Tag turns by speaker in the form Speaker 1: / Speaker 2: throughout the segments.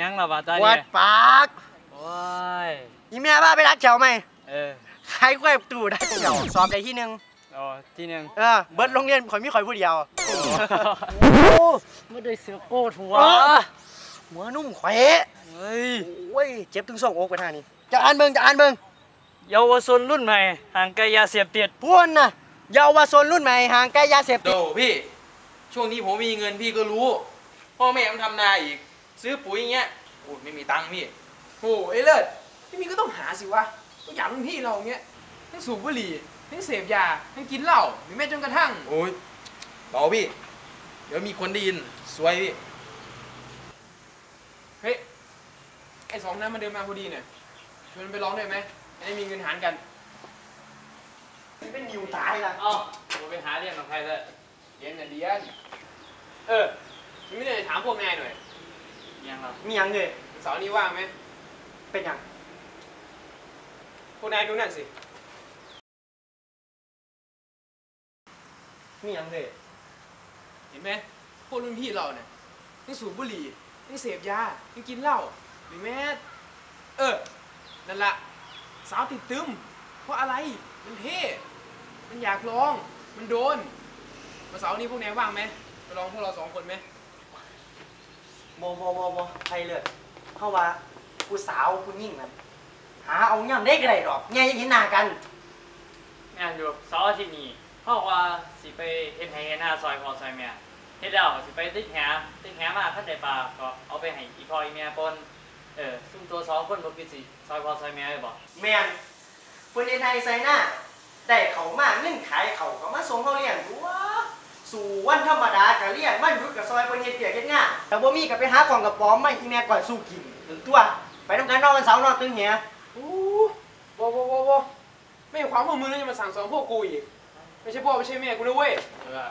Speaker 1: ยังล่ะบาตา
Speaker 2: วัด
Speaker 1: เนี่ย
Speaker 2: ปาก
Speaker 1: โอ้ย
Speaker 2: อีแม่บ้าไปรักเจ้าไหม
Speaker 1: อ
Speaker 2: ขายกล้วยตู่ได้เจ้าสอบได้ที่หนึ่ง
Speaker 1: อ๋อที่หนึ่ง
Speaker 2: เบิร์ดโรงเรียนข่อยมีข่อยผู้เดียว
Speaker 1: โอ้ไม่ได้เสือโก้หัว
Speaker 2: หัวนุ่มแขวะ
Speaker 1: เฮ้ย
Speaker 2: โอ้ยเจ็บถึงส่งอกไปท่านี้จะอ่านเบิ่ง
Speaker 1: เยาวชนรุ่นใหม่ห่างไกลยาเสพติด
Speaker 2: พูนน่ะเยาวชนรุ่นใหม่ห่างไกลยาเสพติด
Speaker 3: โดพี่ช่วงนี้ผมมีเงินพี่ก็รู้พ่อแม่ผมทำนาอีกซื้อปุ๋ยอย่างเงี้ยโอ้ไม่มีตังค์พี่โอ้ไอ้เลิศไม่มีก็ต้องหาสิวะก็อย่างรุ่นพี่เราเงี้ยทั้งสูบบุหรี่ทั้งเสพยาทั้งกินเหล้าหรือแม้จนกระทั่งโอ้ยเบาพี่เดี๋ยวมีคนได้ยินสวยพี่เฮ้ยไอ้สองนั้นมันเดินมาพอดีเนี่ยชวนมันไปร้องได้ไหมจะได้มีเงินหารกัน
Speaker 2: เป็นนิวตายละ
Speaker 1: อ๋อผมไปหาเรียนกับใครเลย
Speaker 3: เรียนอย่าเรียนฉันไม่ได้ถามพวกนายหน่อย
Speaker 1: ยังหรอ
Speaker 2: มียังเลย
Speaker 3: เสาร์นี้ว่างไหม
Speaker 2: เป็นยัง
Speaker 3: พวกนายดูนั่นสิ
Speaker 2: มียังเลย
Speaker 3: เห็นไหมพวกรุ่นพี่เราเนี่ยทั้งสูบบุหรี่ทั้งเสพยาทั้งกินเหล้าหรือแม้นั่นละสาวติดตึมเพราะอะไรมันเท่มันอยากลองมันโดนมาเสาร์นี้พวกนายว่างไหมไปลองพวกเรา2 คนไหม
Speaker 2: โมใครเลยเข้าว่าผู้สาวผู้ยิ่งนั้นหาเอาย่ำได้ก็ได้หรอกไงเห็นหน้ากัน
Speaker 1: งานอยู่เสาร์อาทิตย์นี้เพราะว่าสิไปเฮ็ดให้หน้าซอยพอซอยแม่เฮ็ดแล้วสิไปติดแหมาขั้นใดปลาก็เอาไปให้อีพ่ออีแม่ปนซุ่มตัว2 คนบ่คิดสิซอยพอซอยแม่เลยบ่
Speaker 2: แม่นเพิ่นเฮ็ดให้ใส่หน้าได้เขามาเงินขายเขาก็มาส่งเขาเลี้ยงดูว่าสู่วันธรรมดาก็เลี้ยงมันหยุดก็ซอยเพิ่นเฮ็ดเวียกเฮ็ดงานแต่บ่มีก็ไปหากล่องกระป๋อมมาอีแม่ก่อยสู้กินถึงตัวไปทำการนอนวันเสาร์นอนตึงเหีย
Speaker 3: บ่ไม่มีความร่วมมือแล้วจะมาสั่งสอนพวกกูอีกไม่ใช่พ่อไม่ใช่แม่กูนะเว้ย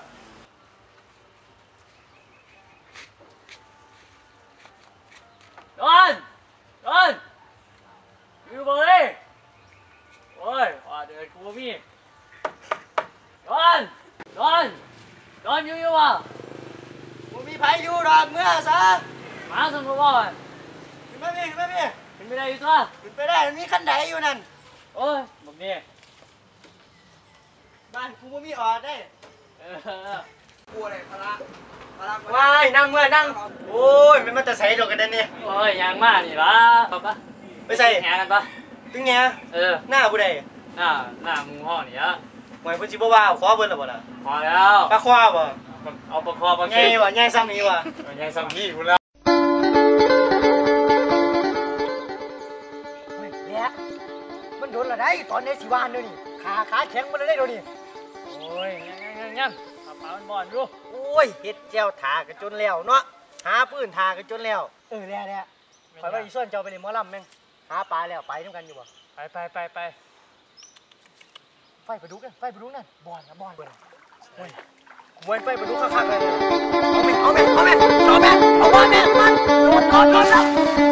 Speaker 1: ดอนอยู่บ่เลยโอ้ยว่าเดี๋ยวกูมีดอนอยู่วะ
Speaker 2: บ่มีไผอยู่ดอกเมื่อซะ
Speaker 1: มาสมบูรณ์บ่
Speaker 2: ขึ้นมาพี่
Speaker 1: ขึ้นไปได้อยู่ตัว
Speaker 2: ขึ้นไปได้มันมีคันใดอยู่นั่น
Speaker 1: โอ้ยบักนี่
Speaker 2: บ้านกูบ่มีออดได้
Speaker 3: กูอะไรพละ
Speaker 2: ว้ายนั่งเมื่อนั่งโอ้ยมันมาแต่ใส่ดอกกันเด้นี่
Speaker 1: โอ้ยยังมานี่ล่ะ
Speaker 2: ไปใส่
Speaker 1: แหกันปะ
Speaker 2: ตึงแหหน้าผู้ใด
Speaker 1: หน้ามึงห่อนี่ฮะ
Speaker 2: หมายเพิ่นสิบ่ว่าขอเพิ่นล่ะบ่ล่ะ
Speaker 1: ขอแล้ว
Speaker 2: ปลาคว้าบ่
Speaker 1: เอาปลาคอปลา
Speaker 2: เค็มใหญ่ว่ะใหญ่ซ้ำนี้ว่ะ
Speaker 1: ใหญ่ซ้ำนี้พุ่นแล้ว
Speaker 2: เฮ้ยเนี่ยมันโดนละได้ตอนนี้สิวานเดี๋ยวนี้ขาแข็งมันเลยเดี๋ยวนี้
Speaker 1: โอ้ยงั้นขับปลามันบ่อนอยู่
Speaker 2: โอ้ยเฮ็ดแจ้วถากันจนแล้วเนาะหาปืนถากันจนแล้วแล้วข่อยว่าอีส่วนเจ้าไปเล่นหมอลำแม่งหาปลาแล้วไปนำกันอยู่บ่
Speaker 1: ไป
Speaker 2: ไฟไปดูนั่นบ่อนโอ้ยมวยไฟไปดูคักๆเลยเอาแม่เอาว่าแม่มันโดนแล้ว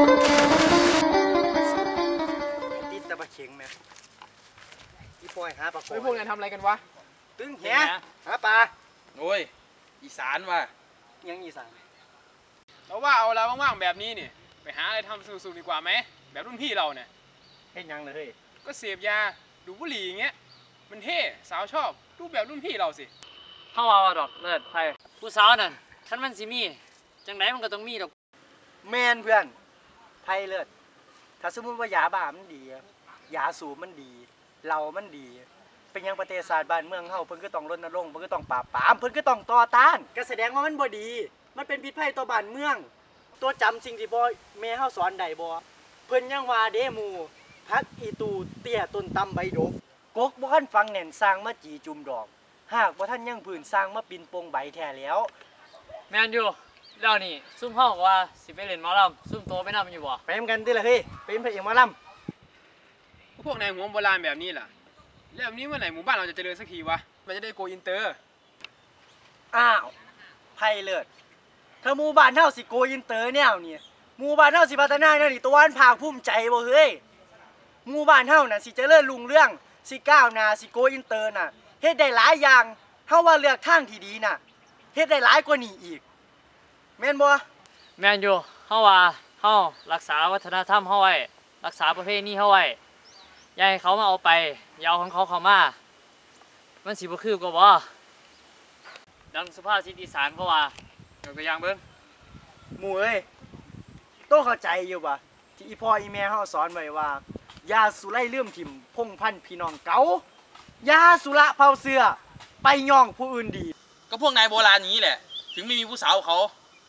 Speaker 2: ติดตะบะเข็งแม่อีปอยหาปลา
Speaker 3: พวกนายทำอะไรกันวะ
Speaker 2: ตึงแหหาปลา
Speaker 3: โอ้ยอีสานว่ะ
Speaker 2: ยังอีสาน
Speaker 3: เราว่าเอาเราว่างๆแบบนี้นี่ไปหาอะไรทำสนุกๆดีกว่าไหมแบบรุ่นพี่เราเนี่ย
Speaker 2: เฮ็ดยังเลยเฮ้ย
Speaker 3: ก็เสพยาดูบุหรี่อย่างเงี้ยมันเท่สาวชอบดูแบบรุ่นพี่เราสิ
Speaker 1: เข้าว่าดอกเลิศไพ่ผู้สาวนั่นคันมันสิมีจังไหนมันก็ต้องมีดอก
Speaker 2: แมนเพื่อนไพ่เลิศถ้าสมมติว่ายาบ้ามันดียาสูบมันดีเหล้ามันดีเป็นยังประเทศศาสตร์บ้านเมืองเฮาเพิ่นก็ต้องรณรงค์เพิ่นก็ต้องปราบปรามเพิ่นก็ต้องต่อต้านก็แสดงว่ามันบ่ดีมันเป็นพิษภัยต่อบ้านเมืองตัวจำสิ่งที่บ่แม่เฮาสอนได้บ่เพิ่นยังว่าเด้หมู่พักอีตูเตี้ยต้นตำใบดกกกบ่ทันฟังแน่นสร้างมาจีจุ่มดอกหากบ่ทันยังพื้นสร้างมาปินโปงใบแท้แล้ว
Speaker 1: แม่นอยู่แล้วนี่ซุ่มเฮาว่าสิไปเล่นหมอลำซุ่มโตไปนำอยู่บ่
Speaker 2: ไปนำกันติล่ะเฮ้ยเป็นพระเอกหมอล
Speaker 3: ำพวกนายหัวโบราณแบบนี้ล่ะแล้วแบบนี้เมื่อไหร่หมู่บ้านเราจะเจริญสักทีวะมันจะได้โกอินเตอร์
Speaker 2: อ้าวไพ่เลิศถ้าหมู่บ้านเฮาสิโกอินเตอร์แนวนี่หมู่บ้านเฮาสิพัฒนาแนวนี้ตะวันภาคภูมิใจบ่เฮ้ยหมู่บ้านเฮาน่ะสิเจริญรุ่งเรืองสิก้าวหน้าสิโกอินเตอร์น่ะเฮ็ดได้หลายอย่างเฮาว่าเลือกทางที่ดีน่ะเฮ็ดได้หลายกว่านี้อีกแม่นบ่
Speaker 1: แม่นอยู่เฮาว่าเฮารักษาวัฒนธรรมเฮาไว้รักษาประเพณีเฮาไว้อย่าให้เขามาเอาไปอย่าเอาของเขาเข้ามามันสิบ่คือกว่าบ่ดังสุภาษิตอีสานเขาว่ายกตัวอย่างเบิ่ง
Speaker 2: หมู่เอ้ยโตเข้าใจอยู่ป่ะที่อีพ่ออีแม่เฮาสอนไว้ว่าอย่าสุไลลืมถิ่มพงพันธุ์พี่น้องเก่าอย่าสุระเผาเสื้อไปย่องผู้อื่นดี
Speaker 3: ก็พวกนายโบราณอย่างนี้แหละ ถึงไม่มีผู้สาวเขา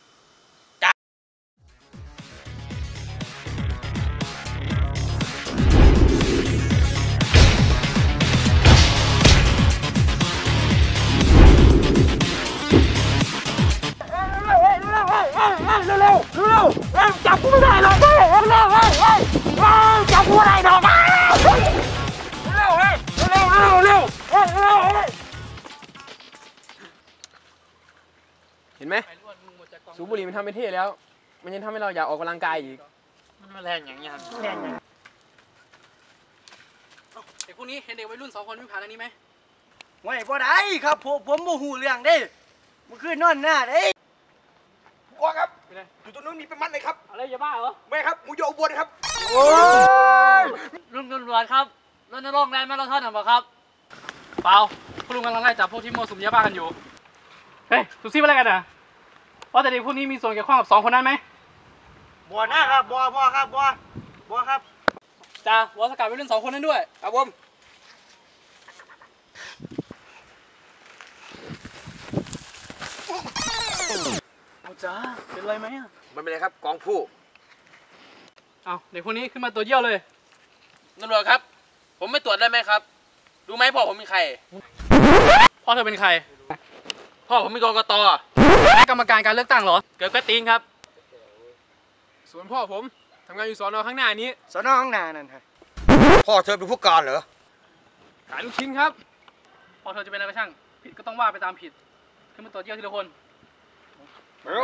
Speaker 2: จับกูไม่ได้หรอกจับกูไม่ได้หรอก
Speaker 3: เห็นไหมสูบบุหรี่มันทำเป็นเท่แล้ว มันยังทำให้เราอยากออกกำลังกายอีก
Speaker 1: มันมาแรงอย่างยัง
Speaker 2: แน่น
Speaker 3: เด็กพวกนี้เห็นเด็กวัยรุ่น2 คนวิ่งผ่านทางนี้ไหม
Speaker 2: ไว้บ่ได้ครับผมโมโหเรื่องเด้มันคือนอนหน้าเด้
Speaker 4: กว่าครับอยู่ตรงนู้นมีเป็นมัดเลยครับ
Speaker 1: อะไรอย่าบ้าเหรอ
Speaker 4: แม่ครับหมูโยอุบลครับ
Speaker 2: โอ้ย
Speaker 1: ลุงตำรวจครับรณรงค์แลนด์มาราธอนหรือเปล่าครับเปล่าคุณลุงกำลังไล่จับพวกที่มั่วสุมยาบ้ากันอยู่เฮ้ยดูซิว่าอะไรกันอ่ะว่าแต่เด็กพวกนี้มีส่วนเกี่ยวข้องกับ2 คนนั้นไหม
Speaker 2: บ่นะครับบ่ครับบ่ครับ
Speaker 3: จ้าวอสกัดวัยรุ่น2 คนนั้นด้วยครับผม
Speaker 2: เอาจ้าเป็นไรไหมอ่ะ
Speaker 4: มันเป็นไรครับกองผู้
Speaker 3: เอาเด็กพวกนี้ขึ้นมาตัวเยี่ยวเลยตำรวจครับ ผมไม่ตรวจได้ไหมครับรู้ไหมพ่อผมเป็นใครพ่อเธอเป็นใครพ่อผมเป็นกกตคณะกรรมการการเลือกตั้งเหรอเกิดกระติงครับส่วนพ่อผมทำงานอยู่สอนอข้างหน้านี้
Speaker 2: สนข้างหน้านั่นฮะ
Speaker 4: พ่อเธอเป็นผู้การเหรอ
Speaker 3: ขายลูกชิ้นครับพ่อเธอจะเป็นอะไรก็ช่างผิดก็ต้องว่าไปตามผิดขึ้นมาตรวจเยี่ยวทีละคน
Speaker 4: เร็ว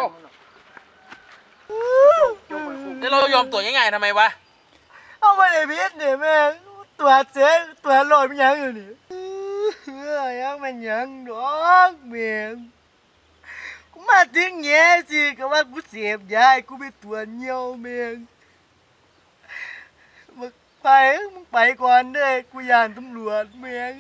Speaker 3: แล้วเรายอมตรวจง่ายๆทำไมวะ
Speaker 2: เอาไปเลยพิษเนี่ยแม่ตัวเสือตัวลอยมันยังอยู่นี่ยังมันยังดอกเมียงกูมาถึงแง่สิก็ว่ากูเสพยากูไปตัวเหี่ยวเมียงมึงไปก่อนเด้กูยานตำรวจเมียง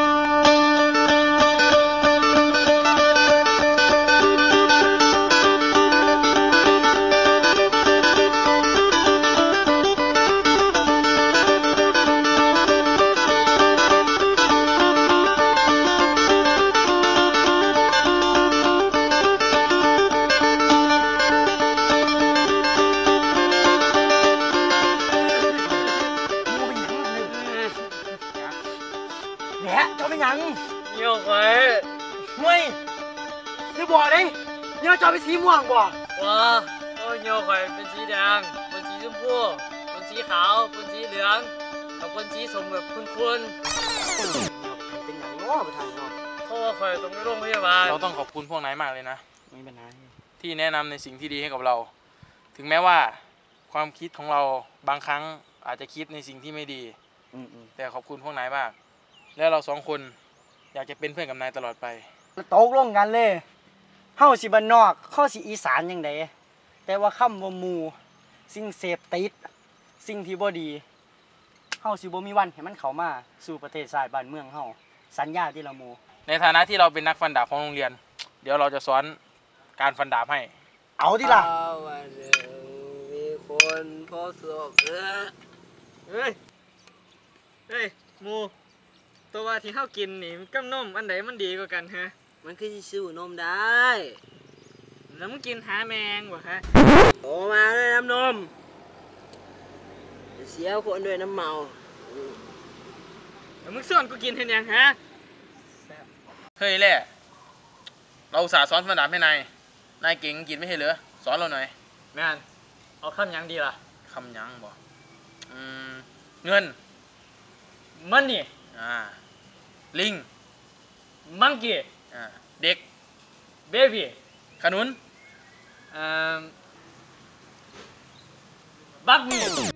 Speaker 2: แหละเจ้าเป็นหยัง
Speaker 1: เยี่ยวไข่
Speaker 2: ห่วยคือบ่เลยเนี่ยเจ้าเป็นสีม่วงบ่
Speaker 1: ว้าโอ้ยเยี่ยวไข่เป็นสีแดงเป็นสีชมพูเป็นสีขาวเป็นสีเหลืองกับเป็นสีสมแบบคุณ
Speaker 2: เป็นหยังเนาะประธานเนาะ
Speaker 1: เขาว่าไข่ต้องไปโรงพยาบาล
Speaker 3: เราต้องขอบคุณพวกนายมากเลยนะ
Speaker 2: ไม่เป็นไร
Speaker 3: ที่แนะนำในสิ่งที่ดีให้กับเรา ถึงแม้ว่าความคิดของเราบางครั้งอาจจะคิดในสิ่งที่ไม่ดี แต่ขอบคุณพวกนายมาก และเรา2 คนอยากจะเป็นเพื่อนกับนายตลอดไป
Speaker 2: ตกลงกันเลยเฮาสิบ้านนอกเฮาสิอีสานจังไดแต่ว่าคำว่าหมู่สิ่งเสพติดสิ่งที่บ่ดีเฮาสิบ่มีวันให้มันเข้ามาสู่ประเทศชาติบ้านเมืองเฮาสัญญาที่ละหมู่
Speaker 3: ในฐานะที่เราเป็นนักฟันดาบของโรงเรียน เดี๋ยวเราจะสอนการฟันดาบให้
Speaker 2: เอาดิล่ะ
Speaker 5: วันหนึ่งมีคนพบศพ
Speaker 1: เฮ้ยหมูตัวว่าที่เฮากินนี่กับนมอันไหนมันดีกว่ากันฮะ
Speaker 5: มันคือสิสู้นมได้
Speaker 1: แล้วมึงกินหาแมงวะฮะ
Speaker 5: โตมาด้วยน้ำนมเสียคนด้วยน้ำเมา
Speaker 1: แล้วมึงส่วนกูกินเห็นยังฮะ
Speaker 3: เฮ้ยแหละเราอุตส่าห์สอนฟันดาบให้นาย นายเก่งอังกฤษไม่ใช่เหรอ สอนเราหน่อย
Speaker 1: แม่นเอาคำหยังดีล่ะ
Speaker 3: คำยังบอกเงิน
Speaker 1: มันนี่
Speaker 3: ลิง
Speaker 1: มังกี้
Speaker 3: เด็ก
Speaker 1: เบบี้
Speaker 3: ขนุน
Speaker 1: บักนี่